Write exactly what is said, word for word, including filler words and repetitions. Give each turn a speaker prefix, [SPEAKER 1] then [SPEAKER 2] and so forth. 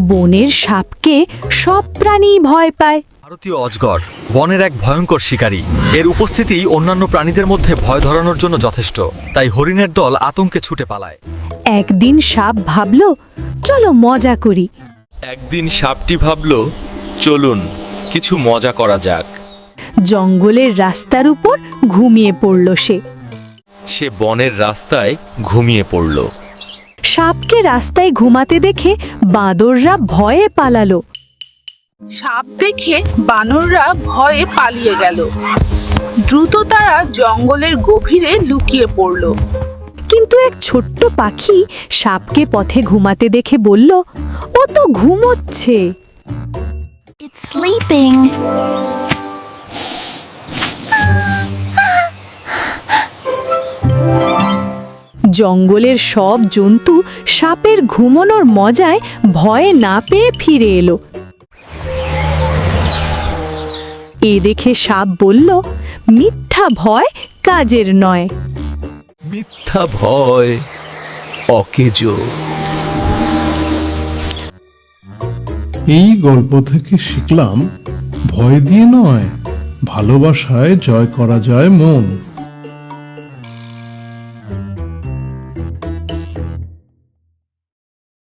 [SPEAKER 1] বনের সাপকে সব প্রাণী ভয় পায়।
[SPEAKER 2] ভারতীয় অজগর বনের এক ভয়ঙ্কর শিকারী। এর উপস্থিতি অন্যান্য প্রাণীদের মধ্যে ভয় ধরানোর জন্য যথেষ্ট, তাই হরিণের দল আতঙ্কে ছুটে পালায়।
[SPEAKER 1] একদিন সাপ ভাবল, চলো মজা করি।
[SPEAKER 3] একদিন সাপটি ভাবল, চলুন কিছু মজা করা যাক।
[SPEAKER 1] জঙ্গলের রাস্তার উপর ঘুমিয়ে পড়ল সে।
[SPEAKER 3] সে বনের রাস্তায় ঘুমিয়ে পড়ল।
[SPEAKER 1] সাপকে রাস্তায় ঘুমাতে দেখে বাঁদররা ভয়ে পালালো।
[SPEAKER 4] সাপ দেখে বানররা ভয়ে পালিয়ে গেল। দ্রুত তারা জঙ্গলের গভীরে লুকিয়ে পড়ল।
[SPEAKER 1] কিন্তু এক ছোট্ট পাখি সাপকে পথে ঘুমাতে দেখে বলল, ও তো ঘুমোচ্ছে।
[SPEAKER 5] It's sleeping.
[SPEAKER 1] জঙ্গলের সব জন্তু সাপের ঘুমানোর মজায় ভয়ে না পেয়ে ফিরে এলো। এ দেখে সাপ বলল, মিথ্যা ভয় কাজের নয়।
[SPEAKER 3] মিথ্যা ভয় অকেজো।
[SPEAKER 6] এই গল্প থেকে শিখলাম, ভয় দিয়ে নয়, ভালোবাসায় জয় করা যায় মন।